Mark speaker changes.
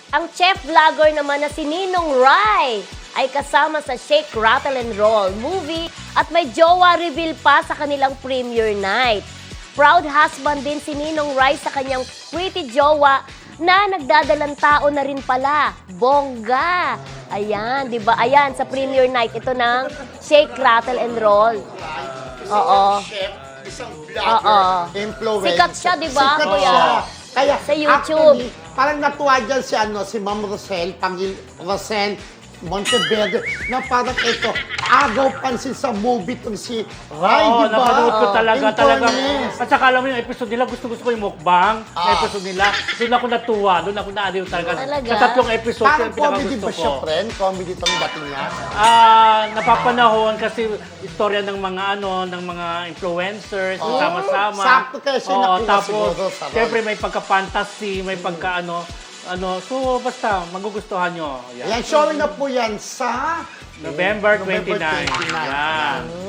Speaker 1: Ang chef vlogger naman na si Ninong Ry ay kasama sa Shake, Rattle and Roll movie at may jowa reveal pa sa kanilang premiere night. Proud husband din si Ninong Ry sa kanyang pretty jowa na nagdadalang tao na rin pala. Bongga! Ayan, di ba? Ayan, sa premiere night ito ng Shake, Rattle and Roll. Oo.
Speaker 2: Chef, isang
Speaker 1: Oo.
Speaker 2: vlogger, influencer.
Speaker 1: Sikat siya, di ba,
Speaker 2: Sikat
Speaker 1: kuya?
Speaker 2: siya. Kaya,
Speaker 1: Sa YouTube.
Speaker 2: actually, parang natuwa dyan si Ma'am Rosel, Rosel Monteverde, na parang ito, agaw pansin sa movie itong si Ray,
Speaker 3: Oo,
Speaker 2: di ba?
Speaker 3: napanood ko talaga.
Speaker 2: Fairness.
Speaker 3: At saka alam mo yung episode nila, gusto ko yung mukbang na episode nila. Doon ako natuwa, doon ako naaliw talaga.
Speaker 1: Talaga?
Speaker 3: Sa tatlong episode,
Speaker 2: Parang
Speaker 3: yung
Speaker 2: comedy
Speaker 3: pinakagusto
Speaker 2: ba siya,
Speaker 3: ko.
Speaker 2: friend? Comedy itong dating niya?
Speaker 3: Napapanahon kasi istorya ng mga ng mga influencers, sama-sama.
Speaker 2: Sakto kaya siya nakuha
Speaker 3: tapos,
Speaker 2: siguro sa role.
Speaker 3: siyempre may pagka-fantasy, may pagka so basta magugustuhan nyo.
Speaker 2: Yan, showing na po yan sa
Speaker 3: November 29.
Speaker 2: 29.
Speaker 3: Yan.